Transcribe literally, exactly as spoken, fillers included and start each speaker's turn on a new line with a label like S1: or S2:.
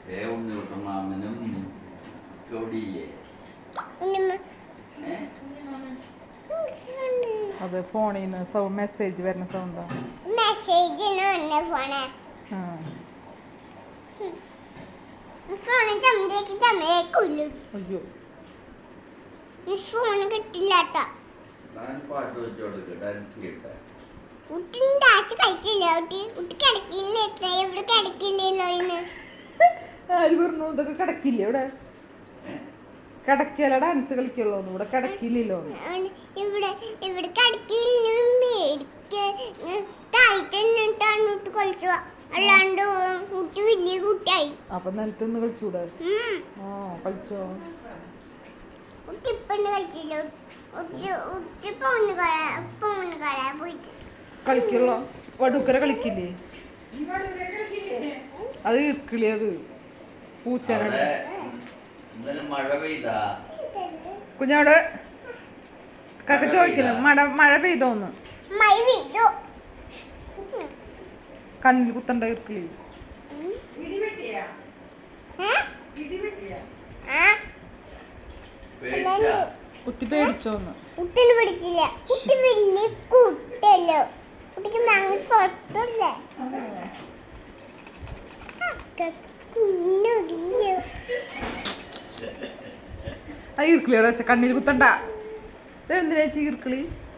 S1: മാമനും
S2: അതെ ഫോണിൽ നിന്ന് സൗണ്ട് മെസ്സേജ് വരുന്ന സൗണ്ടാ.
S3: മെസ്സേജ്
S2: അയ്യോ
S3: ഫോണ് കിട്ടില്ല
S1: പാട്ട് വെച്ച് കൊടുക്ക ഡാൻസ് ചെയ്യട്ടെ.
S3: കുട്ടി ഡാൻസ് കളിച്ചില്ല. കുട്ടി കുട്ടി കിടക്കില്ല. എവിടെ കിടക്കില്ലല്ലോ ഇന്ന്.
S2: ആര് പറഞ്ഞു ഇതൊക്കെ കിടക്കില്ല? ഇവിടെ കിടക്കല ഡാൻസ് കളിക്കുള്ളൂ. ഇവിടെ കിടക്കില്ലല്ലോ.
S3: ഇവിടെ ഇവിടെ കിടക്കില്ലിട്ടാണ് കളിച്ചു. അല്ലാണ്ട് കുട്ടി വലിയ കുട്ടിയായി.
S2: അപ്പൊ നിലത്തൊന്ന് കളിച്ചൂടെ? ആ കളിച്ചോ.
S3: കുട്ടി ഇപ്പണ്ട് കളിച്ചില്ല.
S2: കളിക്കുള്ളോ? വടുക്കര കളിക്കില്ലേ? അത് ഇർക്കിളി. അത് പൂച്ചനോട്
S1: മഴ പെയ്താ
S2: കുഞ്ഞോട് കക്ക ചോദിക്കുന്നു. മഴ മഴ പെയ്തോന്ന്. കണ്ണിൽ കുത്തണ്ട ഇർക്കിളി. കുത്തി പേടിച്ചോന്ന്.
S3: കുട്ടിന് പിടിച്ചില്ല. കുട്ടി വലിയ കുട്ടിയല്ലോ. കുട്ടിക്ക് മനസ്സൊട്ടല്ലേ.
S2: ആ ഇർക്കിളിയോടെ വെച്ച കണ്ണിൽ കുത്തണ്ട. എന്തിനാ ഈർക്കിളി?